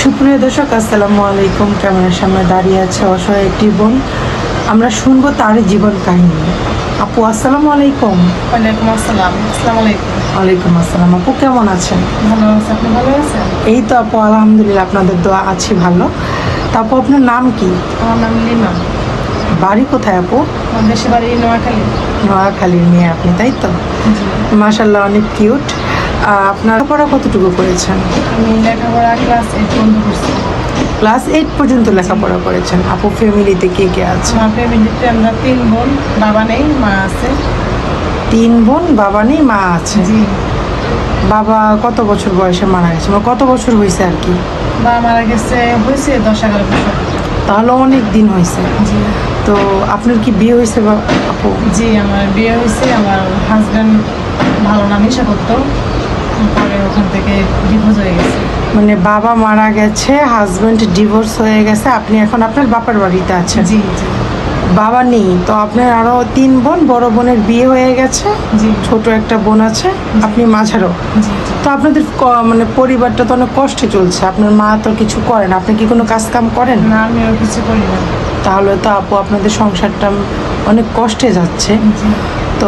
সুপ্রিয় দর্শক, আসসালামু আলাইকুম। ক্যামেরার সামনে দাঁড়িয়ে আছে অসহায় একটি বোন। আমরা শুনবো তার জীবন কাহিনী। আপু, আসসালামু আলাইকুম। ওয়ালাইকুম আসসালাম। আসসালামু আলাইকুম। ওয়ালাইকুম আসসালাম। আপু কেমন আছেন? ভালো আছে, আপনি ভালো আছেন? এই তো আপু, আলহামদুলিল্লাহ, আপনাদের দোয়া আছি ভালো। তা আপু, আপনার নাম কি? আমার নাম লিমা। বাড়ি কোথায় আপু? আমার দেশে বাড়ি নোয়াখালী। নোয়াখালীর মেয়ে আপনি, তাই তো? জি। মাশাল্লাহ, অনেক কিউট। আপনার পড়া কতটুকু করেছেন? আমি লেখাপড়া ক্লাস 8 বন্ধ করছি। ক্লাস 8 পর্যন্ত লেখাপড়া করেছেন। আপু, ফ্যামিলিতে কে কে আছে? আমার ফ্যামিলিতে আমরা 3 বোন, বাবা নেই, মা আছে। 3 বোন, বাবা নেই, মা আছে। জি। বাবা কত বছর বয়সে মারা গেছে, মানে কত বছর হয়েছে আর কি? বাবা মারা গেছে হয়েছে 10-11 বছর। তাহলে অনেক দিন হয়েছে। জি। তো আপনার কি বিয়ে হয়েছে আপু? জি, আমার বিয়ে হয়েছে। আমার হাজব্যান্ড ভালো না, নেশা করতো। পরে ওখান থেকে ডিভোর্স হয়ে গেছে। মানে বাবা মারা গেছে, হাজবেন্ড ডিভোর্স হয়ে গেছে, আপনি এখন আপনার বাবার বাড়িতে আছেন। জি জি বাবা নেই তো? আপনার আরো 3 বোন, বড় বোনের বিয়ে হয়ে গেছে, জি ছোট একটা বোন আছে, আপনি মাঝারও। জি জি। তো আপনাদের মানে পরিবারটা তো অনেক কষ্টে চলছে। আপনার মা তো কিছু করেন, আপনি কি কোনো কাজ কাম করেন? না, আমিও কিছু করি না। তাহলে তো আপু আপনাদের সংসারটা অনেক কষ্টে যাচ্ছে। জি তো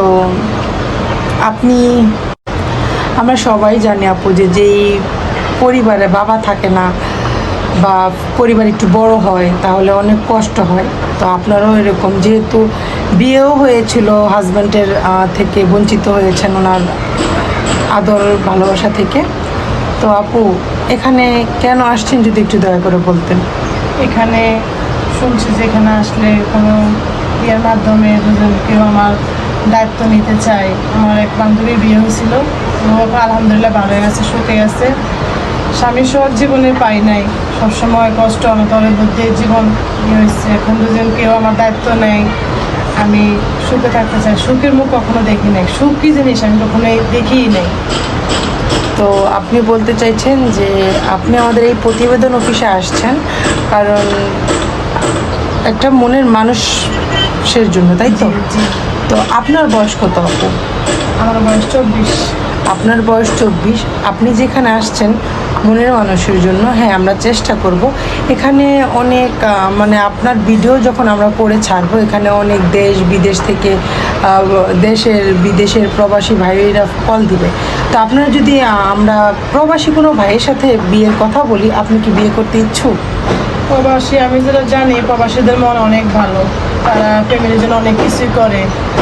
আপনি, আমরা সবাই জানি আপু যে যেই পরিবারে বাবা থাকে না বা পরিবার একটু বড় হয় তাহলে অনেক কষ্ট হয়। তো আপনারও এরকম, যেহেতু বিয়েও হয়েছিল, হাজব্যান্ডের থেকে বঞ্চিত হয়েছেন ওনার আদর ভালোবাসা থেকে। তো আপু, এখানে কেন আসছেন যদি একটু দয়া করে বলতেন। এখানে শুনছি যে এখানে আসলে কোনো বিয়ের মাধ্যমে দুজন কেউ আমার দায়িত্ব নিতে চায়। আমার এক বান্ধবীর বিয়ে হয়েছিল, ও আলহামদুলিল্লাহ ভালো হয়ে গেছে, সুখে গেছে। স্বামী সব জীবনে পাই নাই, সবসময় কষ্ট অনতরের মধ্যে জীবন হয়েছে। এখন দুজন কেউ আমার দায়িত্ব নেয়, আমি সুখে থাকতে চাই। সুখের মুখ কখনো দেখি নাই, সুখ কী জিনিস আমি কখনোই দেখিই নাই। তো আপনি বলতে চাইছেন যে আপনি আমাদের এই প্রতিবেদন অফিসে আসছেন কারণ একটা মনের মানুষের জন্য, তাই তো? জি জি। তো আপনার বয়স কত আপু? আমার বয়স 24। আপনার বয়স 24। আপনি যেখানে আসছেন মনের মানুষের জন্য, হ্যাঁ, আমরা চেষ্টা করব। এখানে অনেক মানে আপনার ভিডিও যখন আমরা করে ছাড়বো, এখানে অনেক দেশ বিদেশ থেকে দেশের বিদেশের প্রবাসী ভাইয়েরা কল দিবে। তো আপনার যদি আমরা প্রবাসী কোনো ভাইয়ের সাথে বিয়ের কথা বলি, আপনি কি বিয়ে করতে ইচ্ছুক? প্রবাসী, আমি যেটা জানি প্রবাসীদের মন অনেক ভালো, তারা ফ্যামিলির জন্য অনেক কিছুই করে।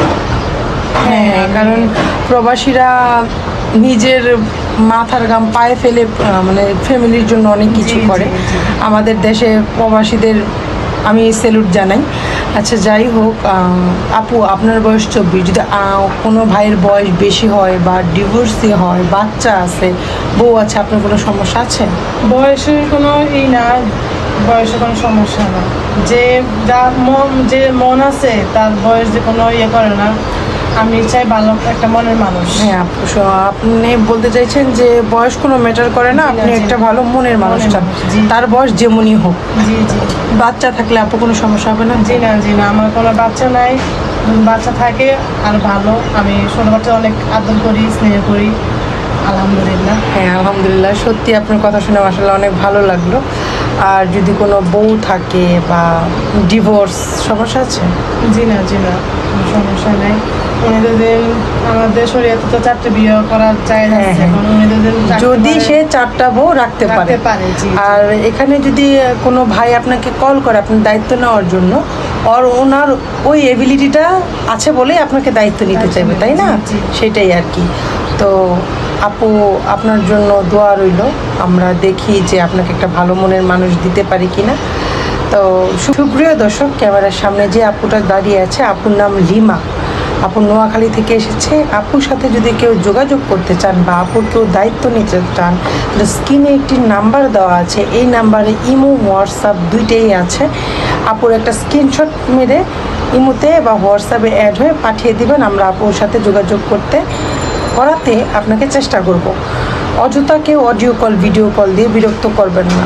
হ্যাঁ, কারণ প্রবাসীরা নিজের মাথার ঘাম পায়ে ফেলে মানে ফ্যামিলির জন্য অনেক কিছু জি, করে। জি, জি। আমাদের দেশে প্রবাসীদের আমি স্যালুট জানাই। আচ্ছা, যাই হোক, আপু আপনার বয়স 24। যদি কোনো ভাইয়ের বয়স বেশি হয় বা ডিভোর্সি হয়, বাচ্চা আছে, বউ আছে, আপনার কোনো সমস্যা আছে? বয়সের কোনো না, বয়সে কোনো সমস্যা না। যে যা মন, যে মন আছে তার বয়স যে কোনো করে না। আমি চাই ভালো একটা মনের মানুষ। হ্যাঁ আপু, আপনি বলতে চাইছেন যে বয়স কোনো ম্যাটার করে না, জি না, আপনি জি একটা না। ভালো মনের মানুষ মনের চান। মানুষ, জি। তার বয়স যেমনই হোক। জি জি বাচ্চা থাকলে আপু কোনো সমস্যা হবে না? জি না, জি না, আমার কোনো বাচ্চা নাই। যদি বাচ্চা থাকে আর ভালো। আমি ছোটো বাচ্চা অনেক আদর করি, স্নেহ করি, আলহামদুলিল্লাহ। হ্যাঁ, আলহামদুলিল্লাহ, সত্যি আপনার কথা শুনে আসলে অনেক ভালো লাগলো। আর যদি কোনো বউ থাকে বা ডিভোর্স সমস্যা আছে? জি না, জি না, কোনো সমস্যা নাই। উনি যদি আমাদের শরীয়তে তো 4টে বিয়ে করার চাই হ্যাঁ, আছে, হ্যাঁ। এখন উনি যদি সে 4টা বউ রাখতে রাখতে পারে। পারে, জি, জি। আর এখানে যদি কোনো ভাই আপনাকে কল করে আপনার দায়িত্ব নেওয়ার জন্য, ওনার ওই এবিলিটিটা আছে বলেই আপনাকে দায়িত্ব নিতে চাইবে, তাই না? জি, জি। সেটাই আর কি। তো আপু, আপনার জন্য দোয়া রইল। আমরা দেখি যে আপনাকে একটা ভালো মনের মানুষ দিতে পারি কিনা। তো সুপ্রিয় দর্শক, ক্যামেরার সামনে যে আপুটা দাঁড়িয়ে আছে, আপুর নাম লিমা। আপু নোয়াখালী থেকে এসেছে। আপুর সাথে যদি কেউ যোগাযোগ করতে চান বা আপুর কেউ দায়িত্ব নিতে চান, তাহলে স্ক্রিনে একটি নাম্বার দেওয়া আছে, এই নাম্বারে ইমো হোয়াটসঅ্যাপ দুইটাই আছে। আপুর একটা স্ক্রিনশট মেরে ইমোতে বা হোয়াটসঅ্যাপে অ্যাড হয়ে পাঠিয়ে দিবেন, আমরা আপুর সাথে যোগাযোগ করাতে আপনাকে চেষ্টা করব। অযথা কেউ অডিও কল, ভিডিও কল দিয়ে বিরক্ত করবেন না।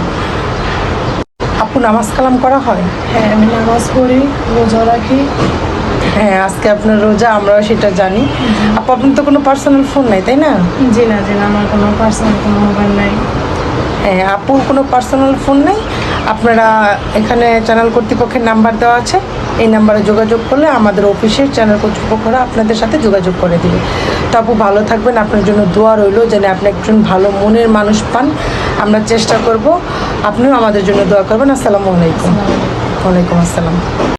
আপু, নামাজ কালাম করা হয়? হ্যাঁ, আমি নামাজ পড়ি, রোজা রাখি। হ্যাঁ, আজকে আপনার রোজা, আমরাও সেটা জানি। আপু, আপনার তো কোনো পার্সোনাল ফোন নাই, তাই না? জি না, জি না, আমার কোনো পার্সোনাল কোনো মোবাইল নাই। আপুর কোনো পার্সোনাল ফোন নেই, আপনারা এখানে চ্যানেল কর্তৃপক্ষের নাম্বার দেওয়া আছে, এই নাম্বারে যোগাযোগ করলে আমাদের অফিসের চ্যানেল কর্তৃপক্ষরা আপনাদের সাথে যোগাযোগ করে দিবে। তো আপু ভালো থাকবেন, আপনার জন্য দোয়া রইল যেন আপনি একজন ভালো মনের মানুষ পান। আমরা চেষ্টা করব, আপনিও আমাদের জন্য দোয়া করবেন। আসসালামু আলাইকুম। ওয়ালাইকুম আসসালাম।